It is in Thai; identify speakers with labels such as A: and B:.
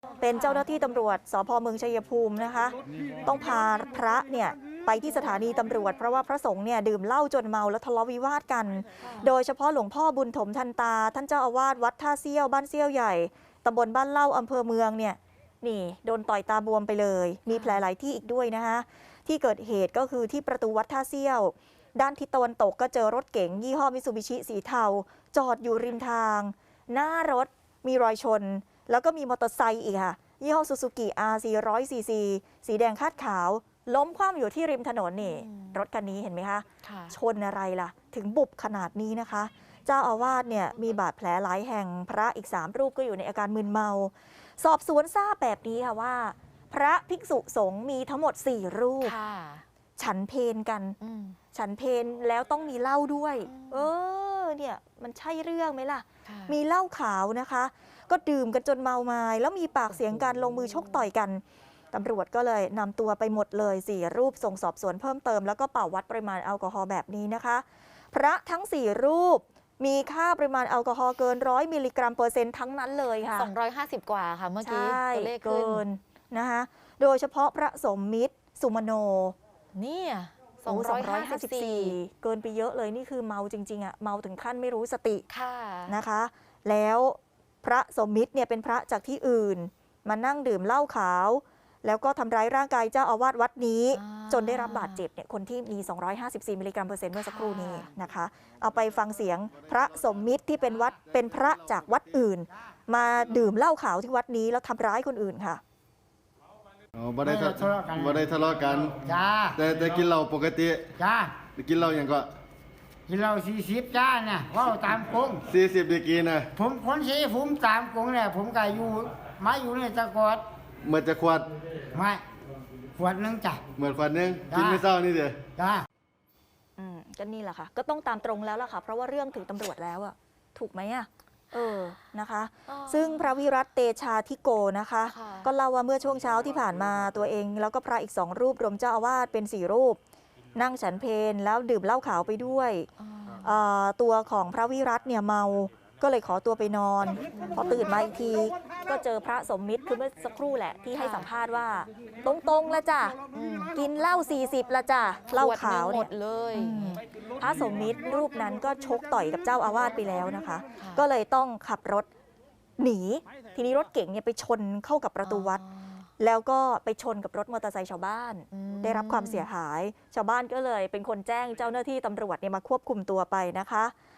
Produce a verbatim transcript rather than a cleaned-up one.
A: เป็นเจ้าหน้าที่ตำรวจสภ.เมืองชัยภูมินะคะต้องพาพระเนี่ยไปที่สถานีตำรวจเพราะว่าพระสงฆ์เนี่ยดื่มเหล้าจนเมาแล้วทะเลาะวิวาทกันโดยเฉพาะหลวงพ่อบุญถมทันตาท่านเจ้าอาวาสวัดท่าเซี่ยวบ้านเซี่ยวใหญ่ตำบลบ้านเล่าอำเภอเมืองเนี่ยนี่โดนต่อยตาบวมไปเลยมีแผลหลายที่อีกด้วยนะคะที่เกิดเหตุก็คือที่ประตูวัดท่าเซี่ยวด้านทิศตะวันตกก็เจอรถเก๋งยี่ห้อมิตซูบิชิสีเทาจอดอยู่ริมทางหน้ารถมีรอยชนแล้วก็มีมอเตอร์ไซค์อีกค่ะยี่ห้อซูซูกิ อาร์ สี่ร้อย ซี ซี สีแดงคาดขาวล้มคว่ำอยู่ที่ริมถนนนี่รถคันนี้เห็นไหมคะชนอะไรล่ะถึงบุบขนาดนี้นะคะเจ้าอาวาสเนี่ยมีบาดแผลหลายแห่งพระอีกสามรูปก็อยู่ในอาการมึนเมาสอบสวนทราบแบบนี้ค่ะว่าพระภิกษุสงฆ์มีทั้งหมดสี่รูปฉันเพลกันฉันเพลแล้วต้องมีเหล้าด้วยเออเนี่ยมันใช่เรื่องไหมล่ะมีเหล้าขาวนะคะก็ดื่มกันจนเมาไม้แล้วมีปากเสียงกันลงมือชกต่อยกันตำรวจก็เลยนำตัวไปหมดเลยสี่รูปส่งสอบสวนเพิ่มเติมแล้วก็เป่าวัดปริมาณแอลกอฮอล์แบบนี้นะคะพระทั้งสี่รูปมีค่าปริมาณแอลกอฮอล์เกินร้อยมิลลิกรัมเปอร์เซ็นต์ทั้งนั้นเลยค่ะ
B: สองร้อยห้าสิบกว่าค่ะเมื่อกี้ตัวเลขขึ้น
A: นะคะโดยเฉพาะพระสมมิตรสุมโน
B: นี่
A: สองร้อยห้าสิบสี่เกินไปเยอะเลยนี่คือเมาจริงๆอ่ะเมาถึงขั้นไม่รู้สตินะคะแล้วพระสมมิตรเนี่ยเป็นพระจากที่อื่นมานั่งดื่มเหล้าขาวแล้วก็ทำร้ายร่างกายเจ้าอาวาสวัดนี้จนได้รับบาดเจ็บเนี่ยคนที่มีสองร้อยห้าสิบสี่มิลลิกรัมเปอร์เซ็นต์เมื่อสักครู่นี้นะคะเอาไปฟังเสียงพระสมมิตรที่เป็นวัดเป็นพระจากวัดอื่นมาดื่มเหล้าขาวที่วัดนี้แล้วทำร้ายคนอื่นค่ะ
C: อ๋อบ่ได้ทะเลาะกันบ่ได้ทะเลาะกัน
D: จ้า
C: แต่แต่กินเหล้าปกติ
D: จ้า
C: กินเหล้าอย่างก็
D: กินเหล้าสี่สิบจ้าเนี่ยว่าตามกง
C: สี่สิบดีกีนะ
D: ผมคนสีผมตามกงเนี่ยผมก็อยู่มาอยู่ในตะกอด
C: เมื่อจะขวด
D: ไม่ขวดนึงจ้ะ
C: เหมือนขวดนึงกินไม่เศร้านี่เด้อ
D: จ้า
A: อืมก็นี่แหละค่ะก็ต้องตามตรงแล้วล่ะค่ะเพราะว่าเรื่องถึงตำรวจแล้วอะถูกไหมอะเออนะคะซึ่งพระวิรัตเตชาธิโกนะคะก็เล่าว่าเมื่อช่วงเช้าที่ผ่านมาตัวเองแล้วก็พระอีกสองรูปรวมเจ้าอาวาสเป็นสี่รูปนั่งฉันเพลแล้วดื่มเหล้าขาวไปด้วยตัวของพระวิรัตเนี่ยเมาก็เลยขอตัวไปนอนพอตื่นมาอีกทีก็เจอพระสมมิตรคือเมื่อสักครู่แหละที่ให้สัมภาษณ์ว่าตรงๆละจ้ะกินเหล้าสี่สิบละจ้ะเหล้าขาวเนี่ย
B: เลย
A: พระสมมิตรรูปนั้นก็ชกต่อยกับเจ้าอาวาสไปแล้วนะคะก็เลยต้องขับรถหนีทีนี้รถเก๋งเนี่ยไปชนเข้ากับประตูวัดแล้วก็ไปชนกับรถมอเตอร์ไซค์ชาวบ้านได้รับความเสียหายชาวบ้านก็เลยเป็นคนแจ้งเจ้าหน้าที่ตำรวจเนี่ยมาควบคุมตัวไปนะคะ